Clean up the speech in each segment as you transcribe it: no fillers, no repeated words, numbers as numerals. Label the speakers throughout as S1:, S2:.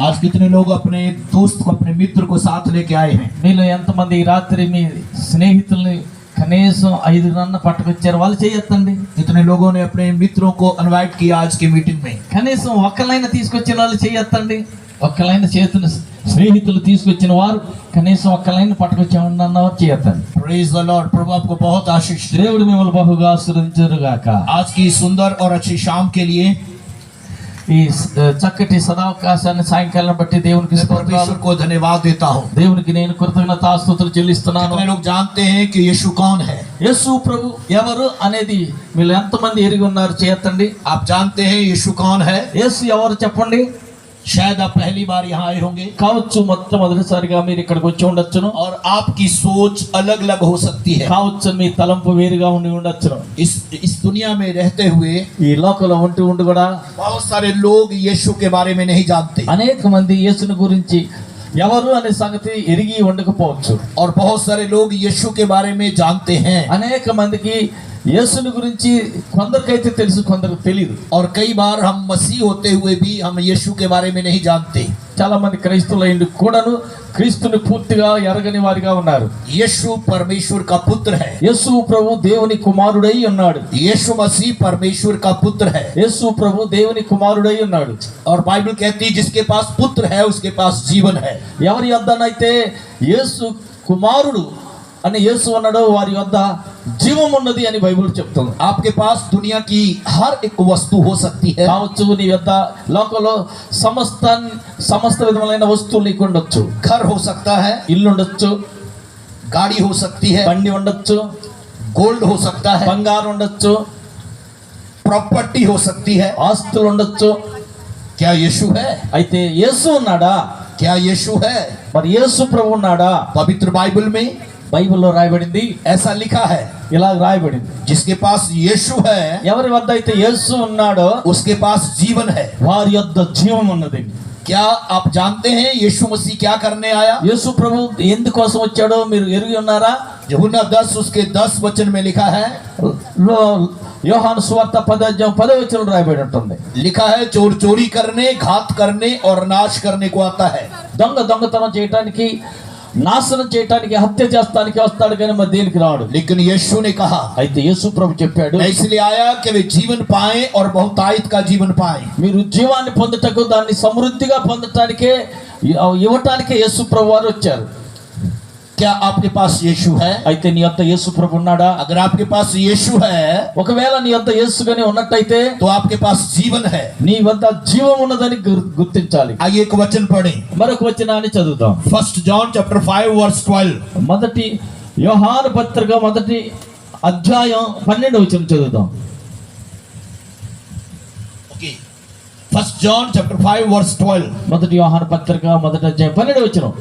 S1: आज कितने लोग अपने दोस्त को, अपने मित्र को साथ लेके आए हैं?
S2: మీలో ఎంతమంది ఈ రాత్రి మీ స్నేహితుల్ని కనీసం 5 పట్టుకొచ్చారు? వాళ్ళు చేయొద్దండి.
S1: कितने लोगों ने अपने मित्रों को इनवाइट किया आज की मीटिंग में?
S2: కనీసం ఒక్కలైనా తీసుకొచ్చిన వాళ్ళు చేయొద్దండి. ఒక్కలైన చేతులు స్నేహితులు తీసుకొచ్చిన వారు కనీసం ఒక్కలైన పట్టుకొచ్చామన్నవారు చేయొద్దండి.
S1: Praise the Lord. प्रभु आपको बहुत आशीष दे।
S2: దేవుడు మిమ్మల్ని బహుగా ఆశీర్వదించుగాక.
S1: आज की सुंदर और अच्छी शाम के लिए
S2: ఈ చక్కటి సదావకాశాన్ని సాయంకాలం బట్టి దేవునికి
S1: परमेश्वर को धन्यवाद देता हूँ।
S2: దేవునికి నేను కృతజ్ఞతాస్తుతులు చెల్లిస్తున్నాను.
S1: कितने लोग जानते हैं कि यीशु कौन है?
S2: యేసు ప్రభు ఎవరు అనేది మీరు ఎంతమంది ఎరిగి ఉన్నారు? చేయొద్దండి.
S1: आप जानते हैं यीशु कौन है?
S2: యేసు ఎవరు చెప్పండి.
S1: शायद आप पहली बार यहाँ आए होंगे
S2: కావచ్చు మొట్టమొదటిసారిగా మీరు ఇక్కడికి వచ్చి ఉండొచ్చును.
S1: और आपकी सोच अलग अलग हो सकती है।
S2: కావచ్చు మీ తలంపు వేరుగా ఉండి ఉండొచ్చును.
S1: इस दुनिया में रहते हुए
S2: ఈ లోకంలో ఉండి కూడా
S1: बहुत सारे लोग यीशु के बारे में नहीं जानते
S2: అనేక మంది యేసుని గురించి ఎవరు అనే సంగతి ఎరిగి ఉండకపోవచ్చు.
S1: और बहुत सारे लोग यीशु के बारे में जानते हैं।
S2: అనేక మందికి యేసుని గురించి కొందరికైతే తెలుసు, కొందరికి తెలియదు.
S1: और कई बार हम मसीह होते हुए भी हम यीशु के बारे में नहीं जानते।
S2: చాలా మంది క్రైస్తవులైండి కూడాను క్రీస్తుని పూర్తిగా ఎరగని వారిగా ఉన్నారు.
S1: यीशु परमेश्वर का पुत्र है।
S2: యేసు ప్రభు దేవుని కుమారుడై ఉన్నాడు.
S1: यीशु मसीह परमेश्वर का पुत्र है।
S2: యేసు ప్రభు దేవుని కుమారుడై ఉన్నాడు.
S1: और बाइबल कहती है जिसके पास पुत्र है उसके पास जीवन है।
S2: ఎవరి యొద్దనైతే యేసు కుమారుడు అని యేసు అన్నాడో వారి యొద్ద జీవం ఉన్నది అని బైబిల్ చెప్తుంది.
S1: आपके पास दुनिया की हर एक वस्तु हो सकती है।
S2: కావచ్చు నీ యొద్ద లోకంలో సమస్త విధములైన వస్తువులు నీకు ఉండొచ్చు.
S1: घर हो सकता है,
S2: ఇల్లు ఉండొచ్చు,
S1: गाड़ी हो सकती है,
S2: బండి ఉండొచ్చు,
S1: गोल्ड हो सकता है,
S2: బంగారం ఉండొచ్చు,
S1: प्रॉपर्टी हो सकती है।
S2: ఆస్తులు ఉండొచ్చు.
S1: क्या यीशु है?
S2: అయితే యేసు ఉన్నాడా?
S1: क्या यीशु है?
S2: మరి యేసు ప్రభు ఉన్నాడా?
S1: पवित्र बाइबल में
S2: బైబిల్లో రాయబడింది,
S1: ऐसा लिखा है
S2: ఇలా రాయబడింది.
S1: जिसके पास यीशु है
S2: ఎవరి వద్ద అయితే యేసు ఉన్నాడో
S1: उसके पास जीवन है।
S2: వారి యొద్ద జీవం ఉన్నది.
S1: क्या आप जानते हैं यीशु मसीह क्या करने आया?
S2: యేసు ప్రభు ఎందుకోసం వచ్చాడో మీరు ఎరిగి ఉన్నారా?
S1: यूहन्ना 10 उसके 10 वचन में लिखा है,
S2: యోహాను సువార్త 10 రాయబడి ఉంటుంది.
S1: लिखा है चोर चोरी करने, घात करने और नाश करने को आता है।
S2: దొంగతనం చేయటానికి, నాశనం చేయటానికి, హత్య చేస్తానికి వస్తాడు కానీ మరి దేనికి రాడు.
S1: लेकिन यीशु ने कहा
S2: అయితే యేసు ప్రభు చెప్పాడు,
S1: मैं इसलिए आया कि वे जीवन पाएं और बहुतायत का जीवन पाएं।
S2: మీరు జీవాన్ని పొందుటకు, దాన్ని సమృద్ధిగా పొందటానికే, ఇవ్వటానికే యేసు ప్రభు వారు వచ్చారు.
S1: क्या आपके पास यीशु है?
S2: అయితే నీ యొద్ద యేసు ప్రభు ఉన్నాడా?
S1: अगर आपके पास यीशु है
S2: ఒకవేళ నీ యొద్ద యేసు గాని ఉన్నట్టయితే
S1: तो आपके पास जीवन है।
S2: నీ వద్ద జీవం ఉన్నదని గుర్తించాలి.
S1: आइए एक वचन पढ़ें,
S2: మరొక వచనాన్ని చదువుదాం.
S1: 1 John chapter 5 verse 12।
S2: మొదటి యోహాను పత్రిక 1వ అధ్యాయం 12వ వచనం చదువుదాం.
S1: Okay, 1 John chapter 5 verse 12।
S2: మొదటి యోహాను పత్రిక 1వ అధ్యాయం 12వ వచనం.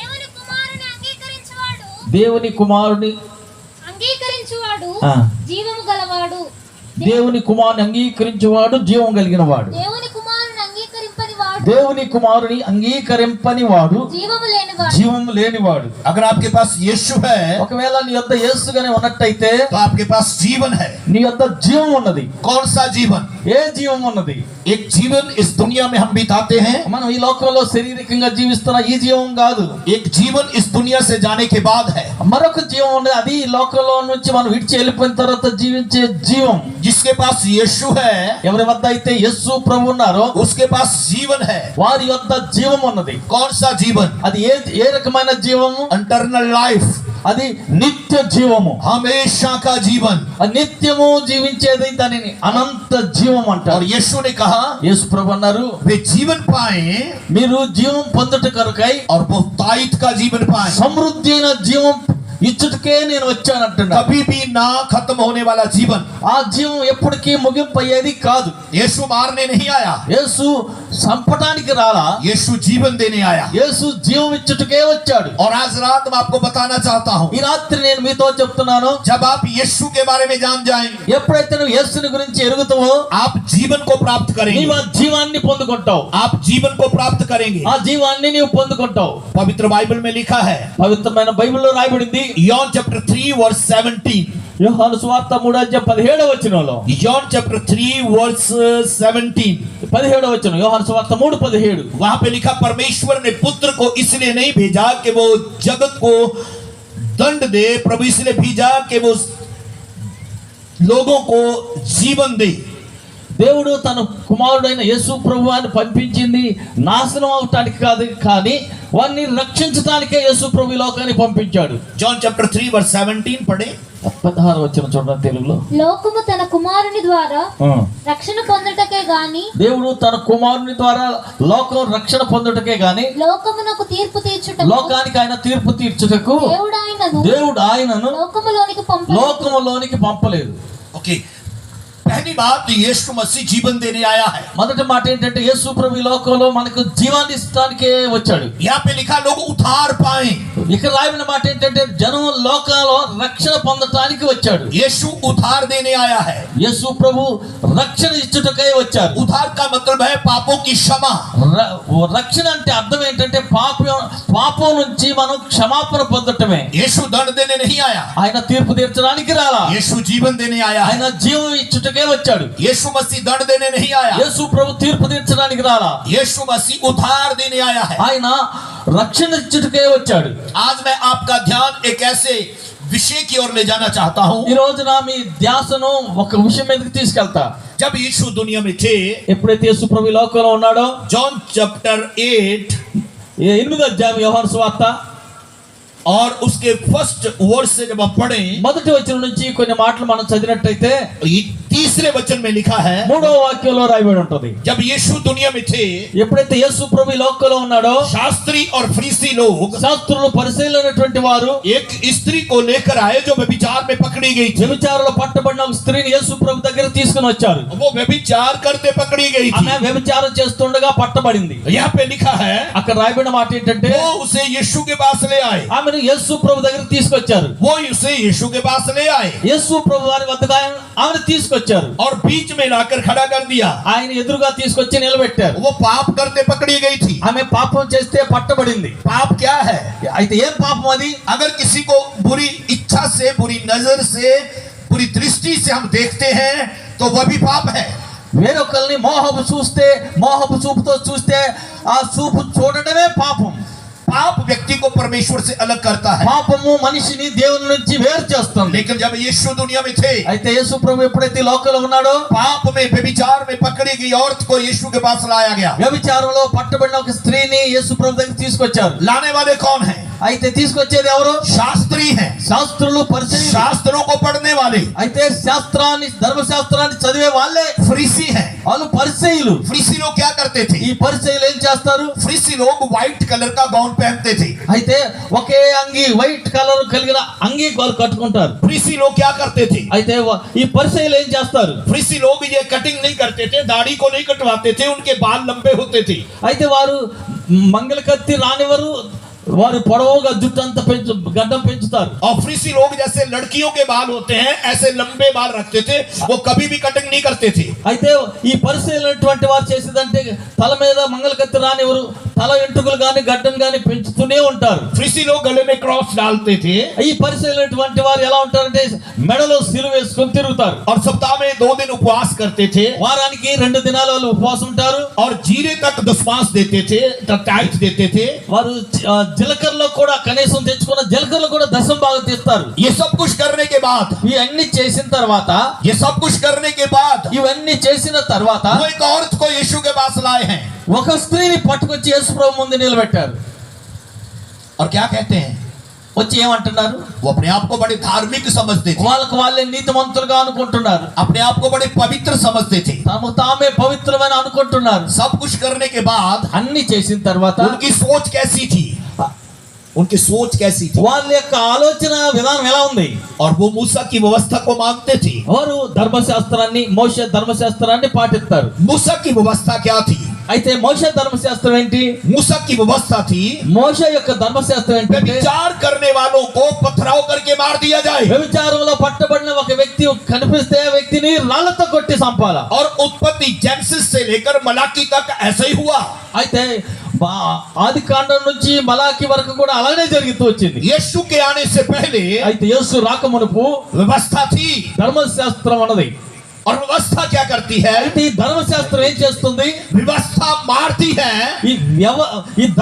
S2: దేవుని కుమారుని
S3: అంగీకరించువాడు
S2: ఆ.
S3: జీవము గలవాడు.
S2: దేవుని కుమారుని అంగీకరించేవాడు జీవం కలిగిన వాడు.
S3: దేవుని కుమారుని అంగీకరింపని వాడు
S2: దేవుని కుమారుని అంగీకరింపని వాడు
S3: జీవము లేనివాడు.
S2: జీవం లేనివాడు.
S1: अगर आपके पास यीशु है
S2: ఒకవేళ నీ యొద్ద యేసుగానే ఉన్నట్టయితే
S1: तो आपके पास जीवन है।
S2: నీ యొద్ద జీవం ఉన్నది.
S1: कौन सा जीवन?
S2: ఏ జీవం ఉన్నది?
S1: एक जीवन इस दुनिया में हम बिताते हैं,
S2: మనం ఈ లోకంలో శారీరకంగా జీవిస్తున్న ఈ జీవం కాదు.
S1: एक जीवन इस दुनिया से जाने के बाद है।
S2: మరొక జీవం ఉన్నది, అది ఈ లోకంలో నుంచి మనం విడిచి వెళ్ళిపోయిన తర్వాత జీవించే జీవం.
S1: जिसके पास यीशु है
S2: ఎవరి వద్ద అయితే యేసు ప్రభు ఉన్నారో
S1: उसके पास जीवन है।
S2: వారి యొద్ద జీవం ఉన్నది.
S1: कौन सा जीवन?
S2: అది ఏ రకమైన జీవము?
S1: इंटरनल लाइफ,
S2: అది నిత్య జీవము.
S1: हमेशा का जीवन।
S2: నిత్యము జీవించేది దానిని అనంత జీవం
S1: और
S2: అంటారు.
S1: यीशु ने कहा
S2: యేసు ప్రభు అన్నారు,
S1: वे जीवन पाए
S2: మీరు జీవం పొందుట కొరకై
S1: और बहुतायत का जीवन पाए।
S2: సమృద్ధి అయిన జీవం ఇచ్చుటకే నేను వచ్చానంటున్నా.
S1: कभी भी ना खत्म होने वाला जीवन।
S2: ఆ జీవం ఎప్పటికీ ముగింపు అయ్యేది కాదు.
S1: यीशु मारने नहीं आया,
S2: యేసు సంపటానికి రాలా,
S1: यीशु जीवन देने आया।
S2: యేసు జీవం ఇచ్చుటకే వచ్చాడు.
S1: और आज रात मैं आपको बताना चाहता हूँ,
S2: ఈ రాత్రి నేను మీతో చెప్తున్నాను,
S1: जब आप यीशु के बारे में जान जाएंगे
S2: ఎప్పుడైతే నువ్వు యేసుని గురించి ఎరుగుతావో
S1: आप जीवन को प्राप्त करेंगे।
S2: నీవు ఆ జీవాన్ని పొందుకుంటావు.
S1: आप जीवन को प्राप्त करेंगे।
S2: ఆ జీవాన్ని నీవు పొందుకుంటావు.
S1: पवित्र बाइबल में लिखा है,
S2: పవిత్రమైన బైబిల్లో రాయబడింది,
S1: John chapter 3 verse 17।
S2: యోహాను సువార్త 3:17
S1: John chapter 3 verse 17.
S2: 17 వచనం, యోహాను సువార్త 3:17.
S1: वहां पे लिखा, परमेश्वर ने पुत्र को इसलिए नहीं भेजा कि वो जगत को दंड दे, प्रभु इसलिए भेजा कि वो लोगों को जीवन दे।
S2: దేవుడు తన కుమారుడైన యేసు ప్రభువాన్ని పంపించింది నాశనం అవటానికి కాదు, కానీ వారిని రక్షించడానికే యేసు ప్రభు ఈ లోకాన్ని పంపించాడు.
S1: John chapter 3 verse 17 पढ़े.
S2: 16 వచనం చూడండి తెలుగులో.
S3: లోకము తన కుమారుని ద్వారా రక్షణ పొందుటకే గాని,
S2: దేవుడు తన కుమారుని ద్వారా లోకం రక్షణ పొందుటకే గాని,
S3: లోకమునకు తీర్పు తీర్చుటకు,
S2: లోకానికి ఆయన తీర్పు తీర్చుటకు దేవుడు ఆయనను లోకములోనికి పంపలేదు.
S1: ओके, पहली बात, यीशु मसीह जीवन देने आया है.
S2: మొదటి మాట ఏంటంటే యేసు ప్రభు ఈ లోకంలో మనకు జీవాన్ని ఇస్తానికే వచ్చాడు.
S1: यहाँ पे लिखा लोग उद्धार पाए.
S2: ఇక్కడ రాయబడిన మాట ఏంటంటే జనం లోకంలో రక్షణ పొందటానికి వచ్చాడు.
S1: यीशु उद्धार देने आया है.
S2: యేసు ప్రభు రక్షణ ఇచ్చుటకై వచ్చారు.
S1: उद्धार का मतलब है पापों की क्षमा.
S2: రక్షణ అంటే అర్థం ఏంటంటే పాపం నుంచి మనం క్షమాపణ పొందటమే.
S1: यीशु दंड देने नहीं आया.
S2: ఆయన తీర్పు తీర్చడానికి రాలా.
S1: यीशु जीवन देने आया है.
S2: ఆయన జీవం ఇచ్చుటకే వచ్చాడు.
S1: यीशु मसीह दंड देने नहीं आया.
S2: యేసు ప్రభు తీర్పు తీర్చడానికి రాలా.
S1: यीशु मसीह उद्धार देने आया है.
S2: ఆయన రక్షణ ఇచ్చుటకే వచ్చాడు.
S1: आज मैं आपका ध्यान एक ऐसे विषय की ओर ले जाना चाहता हूँ.
S2: ఈ రోజు నా మీ ధ్యాసను ఒక విషయం మీదకి తీసుకెళ్తా.
S1: जब यीशु दुनिया में थे,
S2: ఎప్పుడైతే యేసు ప్రభు ఈ లోకంలో ఉన్నాడో,
S1: जॉन चैप्टर 8
S2: 8వ అధ్యాయం యోహాను సువార్త
S1: और उसके फर्स्ट वर्ड से जब आप पढ़ें,
S2: మొదటి వచనం నుంచి కొన్ని మాటలు మనం చదివినట్టయితే
S1: तीसरे वचन में लिखा है,
S2: 3వ వాక్యంలో రాయబడి ఉంటుంది.
S1: जब यीशु दुनिया में थे,
S2: ఎప్పుడైతే యేసు ప్రభు ఈ లోకంలో ఉన్నాడో,
S1: शास्त्री और फरीसी लोग
S2: శాస్త్రులు పరిశీలనటువంటి వారు
S1: एक स्त्री को लेकर आए जो व्यभिचार में पकड़ी गई थी.
S2: వ్యభిచారంలో పట్టబడిన ఒక స్త్రీని యేసు ప్రభు దగ్గర తీసుకుని వచ్చారు.
S1: वो व्यभिचार करते पकड़ी गई थी.
S2: ఆమె వ్యభిచారం చేస్తుండగా పట్టబడింది.
S1: यहाँ पे लिखा है,
S2: అక్కడ రాయబడిన మాట ఏంటంటే
S1: वो उसे यीशु के पास ले आए.
S2: ఆమెను యేసు ప్రభు దగ్గర తీసుకొచ్చారు.
S1: वो उसे यीशु के पास ले आए
S2: యేసు ప్రభు వారి వద్దకు ఆమెను తీసుకొచ్చారు.
S1: और बीच में लाकर खड़ा कर दिया.
S2: ఆయన ఎదురుగా తీసుకొచ్చి నిలబెట్టారు.
S1: वो पाप करते पकड़ी गई थी.
S2: ఆమె పాపం చేస్తే పట్టబడింది.
S1: पाप क्या है?
S2: అయితే ఏం పాపం అది?
S1: अगर किसी को बुरी इच्छा से, बुरी नजर से, बुरी दृष्टि से हम देखते हैं तो वह भी पाप है.
S2: వేరొకరిని మోహపు చూపుతో చూస్తే ఆ చూపు చూడడమే పాపం.
S1: पाप व्यक्ति को परमेश्वर से अलग करता है.
S2: పాపము మనిషిని దేవుని నుంచి వేరు చేస్తుంది.
S1: लेकिन जब यीशु दुनिया में थे,
S2: అయితే యేసు ప్రభు ఎప్పుడైతే లోకంలో ఉన్నాడో,
S1: पाप में व्यभिचार में पकड़ी गई औरत को यीशु के पास लाया गया.
S2: వ్యభిచారంలో పట్టబడిన ఒక స్త్రీని యేసు ప్రభు దగ్గర తీసుకొచ్చారు.
S1: लाने वाले कौन हैं?
S2: అయితే తీసుకొచ్చేది ఎవరు?
S1: शास्त्री हैं.
S2: శాస్త్రులు, పరిసయ్యులు.
S1: शास्त्रों को पढ़ने वाले.
S2: అయితే ధర్మశాస్త్రాన్ని చదివే వాళ్ళే
S1: फरीसी हैं.
S2: వాళ్ళు పరిసయ్యులు.
S1: फरीसी लोग क्या करते थे?
S2: ఈ పరిసయ్యులు ఏం చేస్తారు?
S1: फरीसी लोग व्हाइट कलर का गाउन पहनते थे.
S2: అయితే ఒకే అంగి, వైట్ కలర్ కలిగిన అంగి వాళ్ళు కట్టుకుంటారు.
S1: फरीसी लोग क्या करते थे?
S2: అయితే ఈ పరిసయ్యులు ఏం చేస్తారు?
S1: फरीसी लोग ये कटिंग नहीं करते थे, दाढ़ी को नहीं कटवाते थे, उनके बाल लंबे होते थे.
S2: అయితే వారు మంగళ కత్తి రానివారు, వారు పొడవుగా జుట్టు అంతా గడ్డం పెంచుతారు.
S1: और फरीसी लोग जैसे लड़कियों के बाल होते हैं ऐसे लंबे बाल रखते थे, वो कभी भी कटिंग नहीं करते थे.
S2: అయితే ఈ పరిశీలనటువంటి వారు చేసేదంటే తల మీద మంగళ కత్తి రానివారు, తల వెంట్రుకలు గాని గడ్డం గాని పెంచుతూనే ఉంటారు.
S1: फरीसी लोग गले में क्रॉस डालते थे.
S2: ఈ పరిశీలనటువంటి వారు ఎలా ఉంటారంటే మెడలో సిలువ వేసుకొని తిరుగుతారు.
S1: और सप्ताह में 2 दिन उपवास करते थे.
S2: వారానికి 2 దినాలు వాళ్ళు ఉపవాసం ఉంటారు.
S1: और जीरे तक दशमांश देते थे, टाइट देते थे.
S2: వారు జీలకర్రలో కూడా కనీసం తెచ్చుకున్న జీలకర్రలో కూడా దశం భాగం తీస్తారు.
S1: ये सब कुछ करने के बाद,
S2: ఇవన్నీ చేసిన తర్వాత
S1: ये सब कुछ करने के बाद
S2: ఇవన్నీ చేసిన తర్వాత
S1: वो एक औरत को यीशु के पास लाए हैं.
S2: ఒక స్త్రీని పట్టుకొచ్చి యేసు ప్రభు ముందు నిలబెట్టారు.
S1: और क्या कहते हैं?
S2: వచ్చి ఏమంటున్నారు?
S1: वो अपने आप को बड़े धार्मिक समझते थे.
S2: వాళ్ళకు వాళ్ళే నీతిమంతులుగా అనుకుంటున్నారు.
S1: अपने आप को बड़े पवित्र समझते थे.
S2: తమకు తామే పవిత్రమైన అనుకుంటున్నారు.
S1: सब कुछ करने के बाद
S2: అన్ని చేసిన తర్వాత
S1: उनकी सोच कैसी थी? उनकी सोच कैसी थी?
S2: వాళ్ళ యొక్క ఆలోచన విధానం ఎలా ఉంది?
S1: और वो मूसा की व्यवस्था को मानते थे.
S2: వారు ధర్మశాస్త్రాన్ని, మోషే ధర్మశాస్త్రాన్ని పాటిస్తారు.
S1: मूसा की व्यवस्था क्या थी?
S2: అయితే మోషే ధర్మశాస్త్రం ఏంటి?
S1: मूसा की व्यवस्था थी
S2: మోషే యొక్క ధర్మశాస్త్రం ఏంటంటే
S1: व्यभिचार करने वालों को पथराव करके मार दिया जाए.
S2: వ్యభిచారంలో పట్టబడిన ఒక వ్యక్తి కనిపిస్తే ఆ వ్యక్తిని రాళ్లతో కొట్టి చంపాలా.
S1: और उत्पत्ति जेनेसिस से लेकर मलाकी तक ऐसा ही हुआ.
S2: అయితే ఆది కాండం నుంచి మలాకి వరకు కూడా అలానే జరుగుతూ వచ్చింది.
S1: यीशु के आने से पहले
S2: అయితే యేసు రాకమునుపు
S1: व्यवस्था थी,
S2: ధర్మశాస్త్రం అన్నది.
S1: और व्यवस्था क्या करती है?
S2: అయితే ఈ ధర్మశాస్త్రం ఏం చేస్తుంది?
S1: व्यवस्था मारती है।
S2: ఈ